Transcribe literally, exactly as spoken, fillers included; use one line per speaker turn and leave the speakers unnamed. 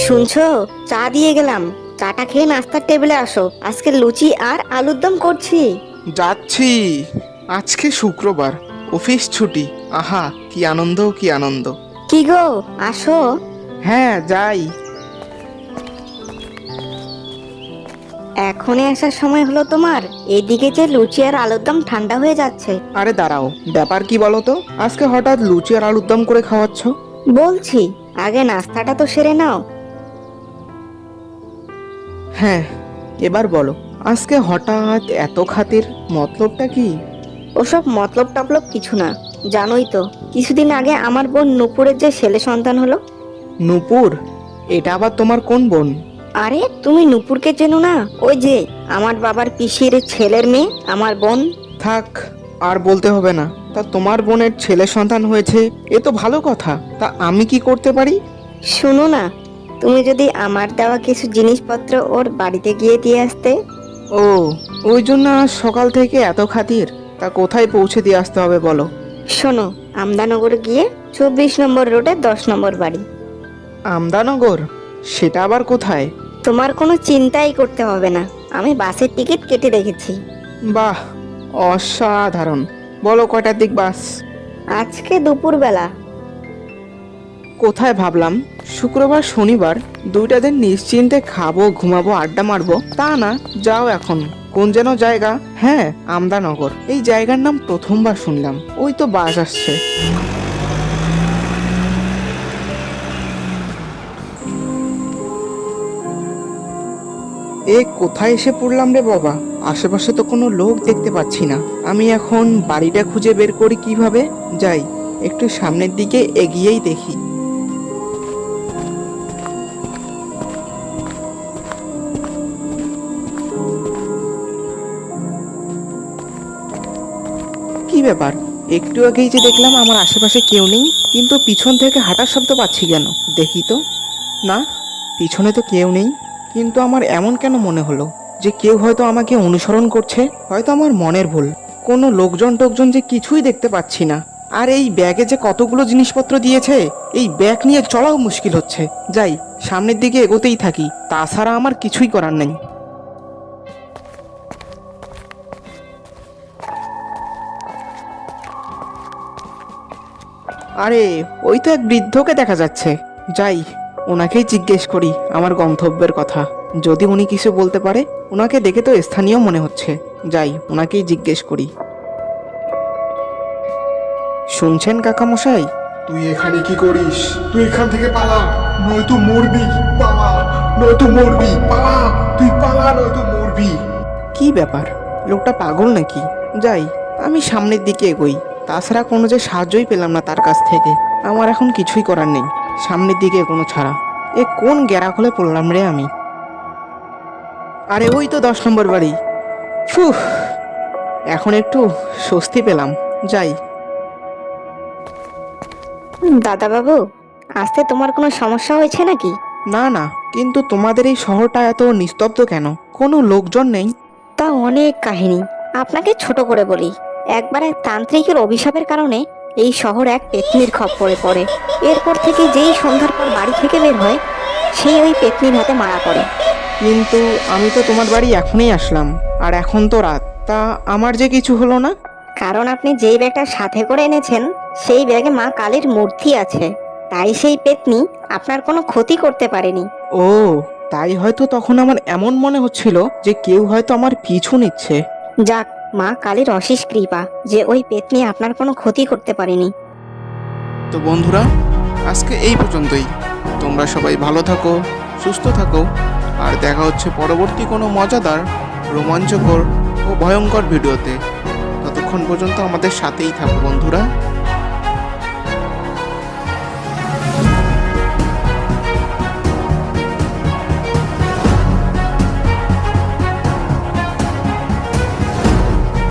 শুনছো, চা দিয়ে গেলাম। চাটা খেয়ে নাস্তার টেবিলে আসো, আজকে লুচি আর আলুর দম করছি।
যাচ্ছি। আজকে শুক্রবার, অফিস ছুটি। আহা, কি আনন্দ কি আনন্দ।
কি গো, আসো।
হ্যাঁ, যাই।
এখনই আসার সময় হলো তোমার? এদিকে যে লুচি আর আলুর দম ঠান্ডা হয়ে যাচ্ছে।
আরে দাঁড়াও, ব্যাপার কি বলো তো? আজকে হঠাৎ লুচি আর আলুর দম করে খাওয়াচ্ছ?
বলছি, আগে নাস্তাটা তো সেরে নাও।
হ্যাঁ, এবার বলো, আজকে হঠাৎ এত খাতির, মতলবটা কি?
ওসব মতলব টপলব কিছু না। জানোই তো, কিছুদিন আগে আমার বোন নূপুরের যে ছেলে সন্তান হলো।
নূপুর? এটা আবার তোমার কোন বোন?
আরে তুমি নূপুরকে চেনো না? ওই যে আমার বাবার পিসির ছেলের মেয়ে, আমার বোন।
থাক, আর বলতে হবে না। তা তোমার বোনের ছেলে সন্তান হয়েছে, এ তো ভালো কথা। তা আমি কি করতে পারি?
শুনো না, তুমি যদি আমার দেওয়া কিছু জিনিসপত্র ওর বাড়িতে গিয়ে দিয়ে আসতে।
ও, ওই জন্য আজ সকাল থেকে এত খাতির। তা কোথায় পৌঁছে দিয়ে আসতে হবে বলো?
শোনো, আমদানগর গিয়ে চব্বিশ নম্বর রোডে দশ নম্বর বাড়ি।
আমদানগর? সেটা আবার কোথায়?
তোমার কোনো চিন্তাই করতে হবে না, আমি বাসের টিকিট কেটে রেখেছি।
বাহ, অসাধারণ। বলো কয়টার দিক বাস?
আজকে দুপুরবেলা।
কোথায় ভাবলাম শুক্রবার শনিবার দুইটা দিন নিশ্চিন্তে খাবো, ঘুমাবো, আড্ডা মারবো, তা না। যাও এখন। কোন যেন জায়গা? হ্যাঁ, আমদানগর। এই জায়গার নাম প্রথমবার শুনলাম। ওই তো বাস আসছে। এ কোথায় এসে পড়লাম রে বাবা? আশেপাশে তো কোনো লোক দেখতে পাচ্ছি না। আমি এখন বাড়িটা খুঁজে বের করি কিভাবে? যাই, একটু সামনের দিকে এগিয়েই দেখি। কি ব্যাপার? একটু আগেই যে দেখলাম আমার আশেপাশে কেউ নেই, কিন্তু পিছন থেকে হাঁটার শব্দ পাচ্ছি কেন? দেখি তো। না, পিছনে তো কেউ নেই। কিন্তু আমার এমন কেন মনে হলো যে কেউ হয়তো আমাকে অনুসরণ করছে? হয়তো আমার মনের ভুল। কোনো লোকজন টোকজন যে কিছুই দেখতে পাচ্ছি না। আর এই ব্যাগে যে কতগুলো জিনিসপত্র দিয়েছে, এই ব্যাগ নিয়ে চলাও মুশকিল হচ্ছে। যাই, সামনের দিকে এগোতেই থাকি, তাছাড়া আমার কিছুই করার নেই। আরে, ওই তো এক বৃদ্ধকে দেখা যাচ্ছে। যাই, ওনাকেই জিজ্ঞেস করি আমার গন্তব্যের কথা। যদি উনি কিছু বলতে পারে। ওনাকে দেখে তো স্থানীয় মনে হচ্ছে। যাই, ওনাকেই জিজ্ঞেস করি। শুনছেন কাকামশাই?
তুই এখানে কি করিস? তুই এখান থেকে পালা, নয়তো মরবি। পালা, নয়তো মরবি। পালা, তুই পালা, নয়তো মরবি।
কি ব্যাপার? লোকটা পাগল নাকি? যাই, আমি সামনের দিকে এগোই। তাছাড়া কোনো যে সাহায্যই পেলাম না তার কাছ থেকে। আমার এখন কিছুই করার নেই, সামনের দিকে এগোনো ছাড়া। এ কোন গ্যারাখলে পড়লাম রে আমি? আরে ওই তো দশ নম্বর বাড়ি। ফুহ, এখন একটু স্বস্তি পেলাম। যাই।
দাদা বাবু, আসতে তোমার কোনো সমস্যা হয়েছে নাকি?
না না, কিন্তু তোমাদের এই শহরটা এত নিস্তব্ধ কেন? কোনো লোকজন নেই?
তা অনেক কাহিনী। আপনাকে ছোট করে বলি, একবার এক তান্ত্রিকের অভিশাপের কারণে এই শহর এক পেতনির খপ্পরে পড়ে। এরপর থেকে যেই সন্ধ্যার পর বাড়ি থেকে বের হয়, সেই ওই পেতনির হাতে মারা পড়ে।
কিন্তু আমি তো তোমার বাড়ি এখনই আসলাম, আর এখন তো রাত। তা আমার যে কিছু হলো না?
কারণ আপনি যেই ব্যাগটা সাথে করে এনেছেন, সেই ব্যাগে মা কালীর মূর্তি আছে। তাই সেই পেতনি আপনার কোনো ক্ষতি করতে পারেনি।
ও, তাই হয়তো তখন আমার এমন মনে হচ্ছিল যে কেউ হয়তো আমার পিছু নিচ্ছে।
যাক, মা কালীর অশেষ কৃপা যে ওই পেতনি আপনার কোনো ক্ষতি করতে পারেনি।
তো বন্ধুরা, আজকে এই পর্যন্তই। তোমরা সবাই ভালো থাকো, সুস্থ থাকো, আর দেখা হচ্ছে পরবর্তী কোনো মজাদার, রোমাঞ্চকর ও ভয়ঙ্কর ভিডিওতে। ততক্ষণ পর্যন্ত আমাদের সাথেই থাকো বন্ধুরা।